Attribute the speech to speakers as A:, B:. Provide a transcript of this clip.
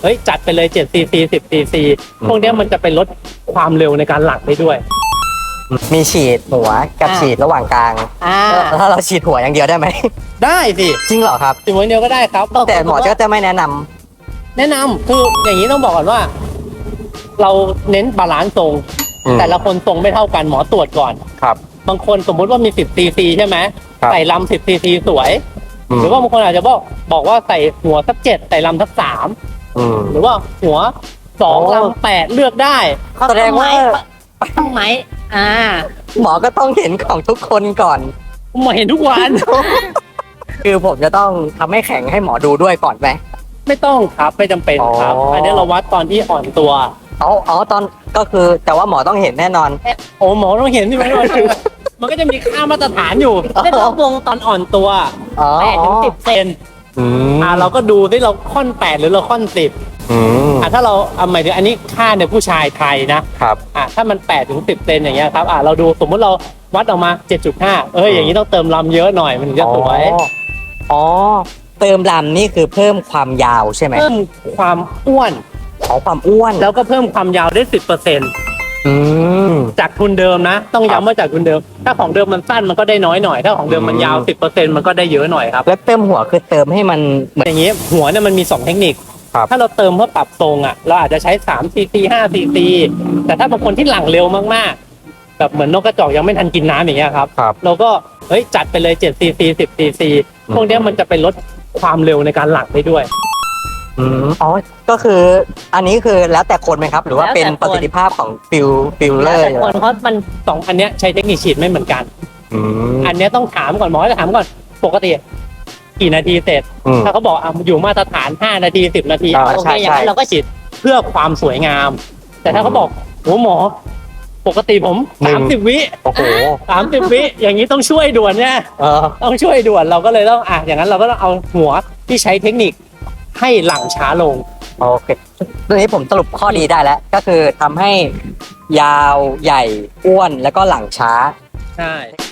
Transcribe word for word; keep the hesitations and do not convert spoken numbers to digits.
A: เฮ้ยจัดไปเลยเจ็ดซีซีสิบซีซีพวกนี้มันจะเป็นลดความเร็วในการหลั่งได้ด้วย
B: มีฉีดหัวกับฉีดระหว่างกลางแล้วถ้าเราฉีดหัวอย่างเดียวได้ไหม
A: ได้สิ
B: จริงเหรอครับ
A: ฉีดหัวเดียวก็ได้ครับ
B: แต่หมอก็จะไม่แนะนำ
A: แนะนำคืออย่างนี้ต้องบอกก่อนว่า เราเน้นบาลานซ์ทรงแต่ละคนทรงไม่เท่ากันหมอตรวจก่อน
B: ครับ
A: บางคนสมมุติว่ามีสิบซีซีใช่ไหมใส่ลำสิบซีซีสวยหรือว่าบางคนอาจจะบอกบอกว่าใส่หัวสักเจ็ดใส่ลำสักสามหรือว่าหัวสองลำแปดเลือกได้
B: แสดงว่า
C: ต้องไหมอ่า
B: หมอก็ต้องเห็นของทุกคนก่อน
A: หมอเห็นทุกวัน
B: คือผมจะต้องทำให้แข็งให้หมอดูด้วยก่อนไหม
A: ไม่ต้องครับไม่จำเป็นครับอันนี้เราวัดตอนที่อ่อนตัว
B: อ๋ออ๋อตอนก็คือแต่ว่าหมอต้องเห็นแน่นอน
A: โอ้หมอต้องเห็นใช่ไหมมันก็จะมีค่ามาตรฐานอยู่ไม่ต้องวงตอนอ่อนตัวแปดถึงสิบเซนอ่าเราก็ดูที่เราค่อนแปดหรือเราค่อนสิบอ่าถ้าเราเอาหมายถึงอันนี้ค่าในผู้ชายไทยนะครับอ่าถ้ามันแปดถึงสิบเซนอย่างเงี้ยครับอ่าเราดูสมมุติเราวัดออกมาเจ็ดจุดห้าเอ้ยอย่างนี้ต้องเติมลำเยอะหน่อยมันถึงจะสวย
B: อ๋อเติมลำนี่คือเพิ่มความยาวใช่ไหม
A: เพิ่มความอ้วน
B: ของความอ้วน
A: แล้วก็เพิ่มความยาวได้สิบเปอร์เซ็นต์จากทุนเดิมนะต้องย้ำว่าจากทุนเดิมถ้าของเดิมมันสั้นมันก็ได้น้อยหน่อยถ้าของเดิมมันยาวสิบเปอร์เซ็นต์มันก็ได้เยอะหน่อยครับ
B: แล้วเติมหัวคือเติมให้มัน
A: เหมือนอย่างนี้หัวเนี่ยมันมีสองเทคนิคถ้าเราเติมเพื่อปรับทรงอ่ะเราอาจจะใช้สามซีซีห้าซีซีแต่ถ้าบางคนที่หลั่งเร็วมากๆแบบเหมือนนกกระจอกยังไม่ทันกินน้ำอย่างเงี้ยครับเราก็เฮ้ยจัดไปเลยเจ็ดซีซีสิบซีซีพวกนี้มันจะเป็นลดความเร็วในการหลั่งได้ด้วย
B: อืมอ๋อก็คืออันนี้คือแล้วแต่คนไหมครับหรือว่าเป็นประสิทธิภาพของฟิลฟิลเลอร์
A: แต่คนเพราะมันสองอันเนี้ยใช้เทคนิคฉีดไม่เหมือนกันอันเนี้ยต้องถามก่อนหมอจะถามก่อนปกติกี่นาทีเสร็จถ้าเขาบอกอ่ะอยู่มาตรฐานห้านาทีสิบนาทีโอเคอย่างนั้นเราก็ฉีดเพื่อความสวยงามแต่ถ้าเขาบอกโหหมอปกติผมสามสิบวิ
B: โอ้โห
A: สามสิบวิอย่างนี้ต้องช่วยด่วนเนี่ยต้องช่วยด่วนเราก็เลยต้องอ่ะอย่างนั้นเราก็ต้องเอาหัวที่ใช้เทคนิคให้หลั่งช้าลง
B: โอเคตรงนี้ผมสรุปข้อดีได้แล้วก็คือทำให้ยาวใหญ่อ้วนแล้วก็หลั่งช้า
A: ใช่